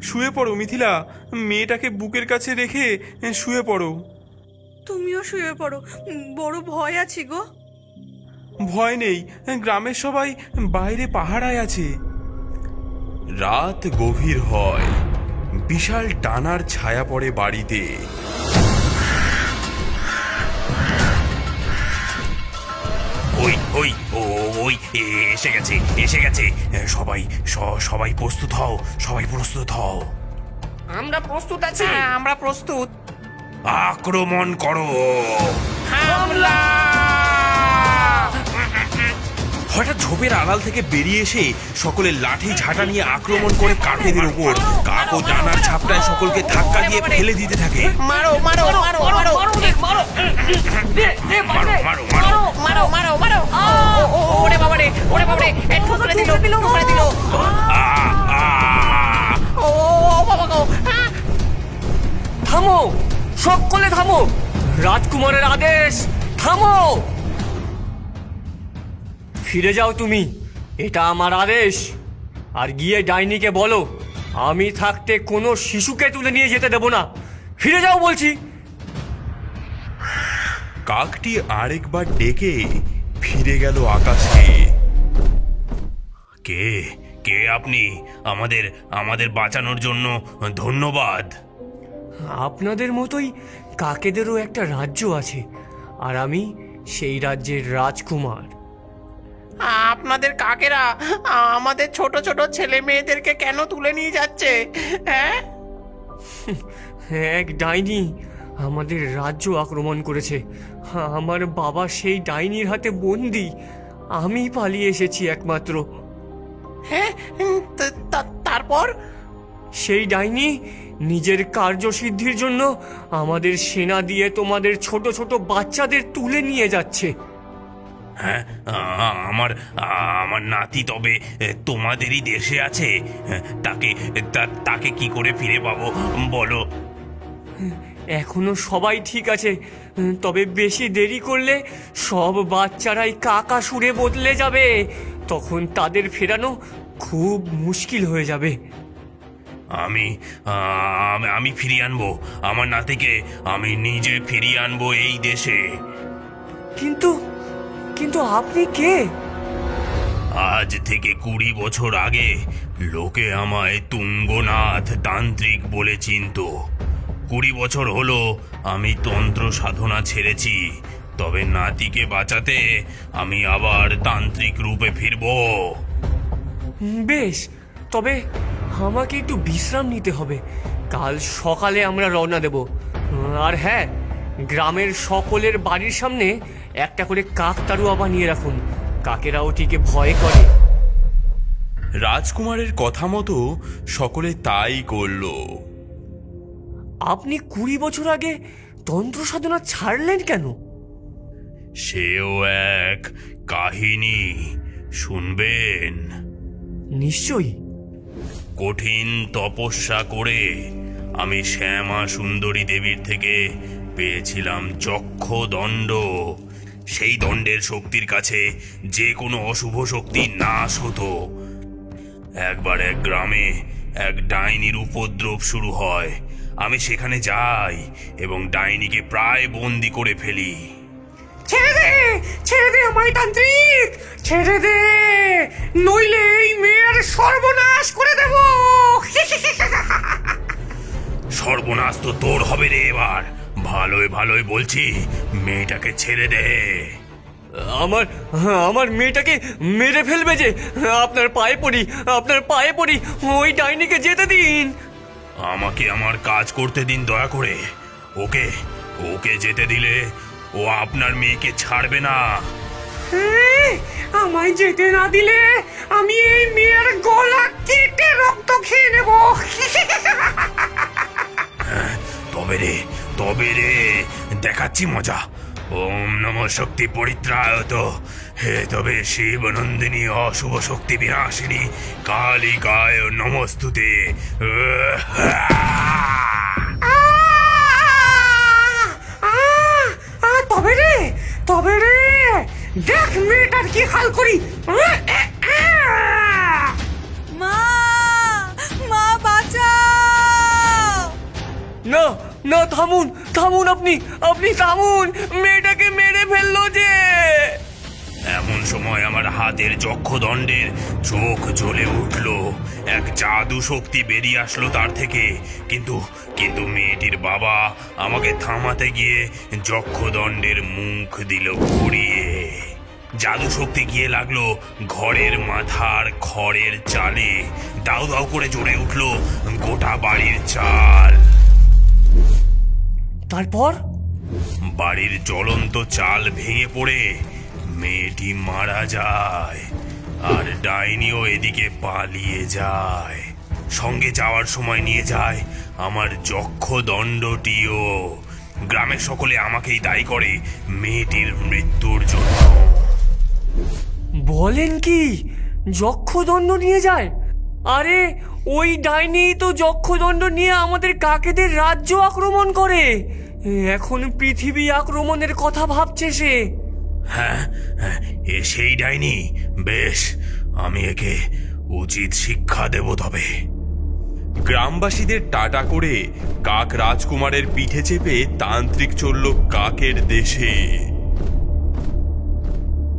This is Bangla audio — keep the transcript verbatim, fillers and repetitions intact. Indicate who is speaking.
Speaker 1: শুয়ে পড়ো মিথিলা, মেয়েটাকে বুকের কাছে রেখে শুয়ে পড়ো।
Speaker 2: তুমিও শুয়ে পড়ো, বড় ভয় আছি গো।
Speaker 1: ভয় নেই, গ্রামের সবাই বাইরে পাহারায় আছে। রাত গভীর হয়, বিশাল টানার ছায়া পড়ে বাড়িতে।
Speaker 3: ওই ওই ও ওই এসে গেছে এসে গেছে সবাই সবাই প্রস্তুত হও, সবাই প্রস্তুত হও।
Speaker 4: আমরা প্রস্তুত আছি।
Speaker 3: আমরা প্রস্তুত। আক্রমণ করো।
Speaker 4: হামলা!
Speaker 3: হঠাৎ ঝোপের আড়াল থেকে বেরিয়ে এসে সকলে লাঠি ঝাঁটা নিয়ে আক্রমণ করে কাকেদের উপর। কাক ও ডানার ঝাপটায় সকলকে ধাক্কা দিয়ে ফেলে দিতে থাকে।
Speaker 4: মারো মারো মারো মারো মারো মারো
Speaker 3: মারো মারো মারো
Speaker 4: মারো মারো মারো ওরে বাবা রে, ওরে বাবা রে, ঠুকরে দিল ঠুকরে দিল।
Speaker 3: আ আ
Speaker 4: ও বাবা গো!
Speaker 5: থামো, সকলে থামো, রাজকুমারের আদেশ, থামো। ফিরে যাও তুমি, এটা আমার আদেশ। আর গিয়ে ডাইনিকে বলো আমি থাকতে কোনো শিশুকে তুলে নিয়ে যেতে দেব না। ফিরে যাও বলছি।
Speaker 1: কাকটি আরেকবার ডেকে ফিরে গেল আকাশে।
Speaker 3: কে কে আপনি? আমাদের আমাদের বাঁচানোর জন্য ধন্যবাদ।
Speaker 5: আপনাদের মতোই কাকেদেরও একটা রাজ্য আছে, আর আমি সেই রাজ্যের রাজকুমার।
Speaker 4: আপনাদের কাকেরা আমাদের ছোট ছোট ছেলে মেয়েদেরকে কেন তুলে নিয়ে যাচ্ছে? হ্যাঁ,
Speaker 5: এক ডাইনি আমাদের রাজ্য আক্রমণ করেছে। আমার বাবা সেই ডাইনির হাতে বন্দি। আমি পালিয়ে এসেছি একমাত্র।
Speaker 4: হ্যাঁ, তা- তা- তারপর
Speaker 5: সেই ডাইনি নিজের কার্যসিদ্ধির জন্য আমাদের সেনা দিয়ে তোমাদের ছোট ছোট বাচ্চাদের তুলে নিয়ে যাচ্ছে।
Speaker 3: হ্যাঁ, আ- আমার আমার নাতি তবে তোমাদেরই দেশে আছে। তাকে তা- তাকে কি করে ফিরে পাবো বলো?
Speaker 5: এখনো সবাই ঠিক আছে, তবে বেশি দেরি করলে সব বাচ্চারাই কাকাসুরে বদলে যাবে। তখন তাদের ফেরানো খুব মুশকিল হয়ে যাবে।
Speaker 3: আমি আ- আমি ফিরিয়ে আনবো আমার নাতিকে। আমি নিজে ফিরিয়ে আনবো এই দেশে।
Speaker 5: কিন্তু কিন্তু আপনি কে?
Speaker 3: আজ থেকে কুড়ি বছর আগে লোকে আমায় তুঙ্গনাথ তান্ত্রিক বলে চিনতো। কুড়ি বছর হলো আমি তন্ত্র সাধনা ছেড়েছি, তবে নাতিকে বাঁচাতে আমি আবার তান্ত্রিক রূপে ফিরবো।
Speaker 5: বেশ, তবে আমাকে একটু বিশ্রাম নিতে হবে। কাল সকালে আমরা রওনা দেব। আর হ্যাঁ, গ্রামের সকলের বাড়ির সামনে একটা করে কাকতাড়ুয়া বানিয়ে রাখুন। কাকেরা ওটিকে ভয় করে।
Speaker 1: রাজকুমারের কথা মতো সকলে তাই করল।
Speaker 5: আপনি কুড়ি বছর আগে তন্ত্র সাধনা ছাড়লেন কেন?
Speaker 3: সেও এক কাহিনী, শুনবেন?
Speaker 5: নিশ্চয়ই।
Speaker 3: কঠিন তপস্যা করে আমি শ্যামা সুন্দরী দেবীর থেকে পেয়েছিলাম যক্ষ দণ্ড। সেই দণ্ডের শক্তির কাছে যে কোনো অশুভ শক্তি নাশ হতো। একবার এক গ্রামে এক ডাইনির উপদ্রব শুরু হয়। আমি সেখানে যাই এবং ডাইনিকে প্রায় বন্দি করে ফেলি।
Speaker 5: ছেড়ে দে, ছেড়ে দে আমায় তান্ত্রিক, ছেড়ে দে, নইলে এই মেয়ের সর্বনাশ করে দেব।
Speaker 3: সর্বনাশ তো তোর হবে রে এবার। ভালোই ভালোই বলছি, মেয়েটাকে ছেড়ে দে।
Speaker 5: আমার আমার মেয়েটাকে মেরে ফেলবে যে। আপনার পায়ে পড়ি, আপনার পায়ে পড়ি, ওই ডাইনিকে যেতে দিন।
Speaker 3: আমাকে আমার কাজ করতে দিন দয়া করে। ওকে ওকে যেতে দিলে ও আপনার মেয়েকে ছাড়বে না।
Speaker 5: আমায় যেতে না দিলে আমি এই মেয়ের গলা কেটে রক্ত খেয়ে নেব।
Speaker 3: তবে রে তবে রে দেখাচ্ছি মজা। ওম নমঃ শক্তি পরিত্রায়ত হে তবে শিব নন্দিনী অশুভ শক্তি বিনাশিনী কালিকায় নমস্তুতে।
Speaker 5: তবে রে তবে রে দেখ মেয়েটার কি হাল করি।
Speaker 2: মা, মা বাঁচাও!
Speaker 5: না না, থামুন থামুন, আপনি আপনি থামুন, মেয়েটাকে মেরে ফেললো যে।
Speaker 3: এমন সময় আমার হাতের যক্ষদণ্ডের চোখ জ্বলে উঠল। এক জাদু শক্তি বেরিয়ে আসলো তার থেকে। কিন্তু কিন্তু মেয়েটির বাবা আমাকে থামাতে গিয়ে যক্ষদণ্ডের মুখ দিল ঘুরিয়ে। জাদু শক্তি গিয়ে লাগলো ঘরের মাথার খড়ের চালে। দাউ দাউ করে জ্বলে উঠল গোটা বাড়ির চাল।
Speaker 5: তারপর
Speaker 3: বাড়ির জ্বলন্ত চাল ভেঙে পড়ে মেয়েটি মারা যায়, আর ডাইনিও এদিকে পালিয়ে যায়। সঙ্গে যাওয়ার সময় নিয়ে যায় আমার যক্ষদণ্ডটিও। গ্রামের সকলে আমাকেই দায়ী করে মেয়েটির মৃত্যুর জন্য।
Speaker 5: বলেন কি, যক্ষদণ্ড নিয়ে যায়? আরে ওই ডাইনি তো যক্ষদণ্ড নিয়ে আমাদের কাকেদের রাজ্য আক্রমণ করে। এখন পৃথিবী আক্রমণের কথা ভাবছে সে।
Speaker 3: হ্যাঁ, হ্যাঁ, এ সেই ডাইনি। বেশ, আমি একে উচিত শিক্ষা দেব তবে।
Speaker 1: গ্রামবাসীদের টাটা করে কাক রাজকুমারের পিঠে চেপে তান্ত্রিক চলল কাকের দেশে।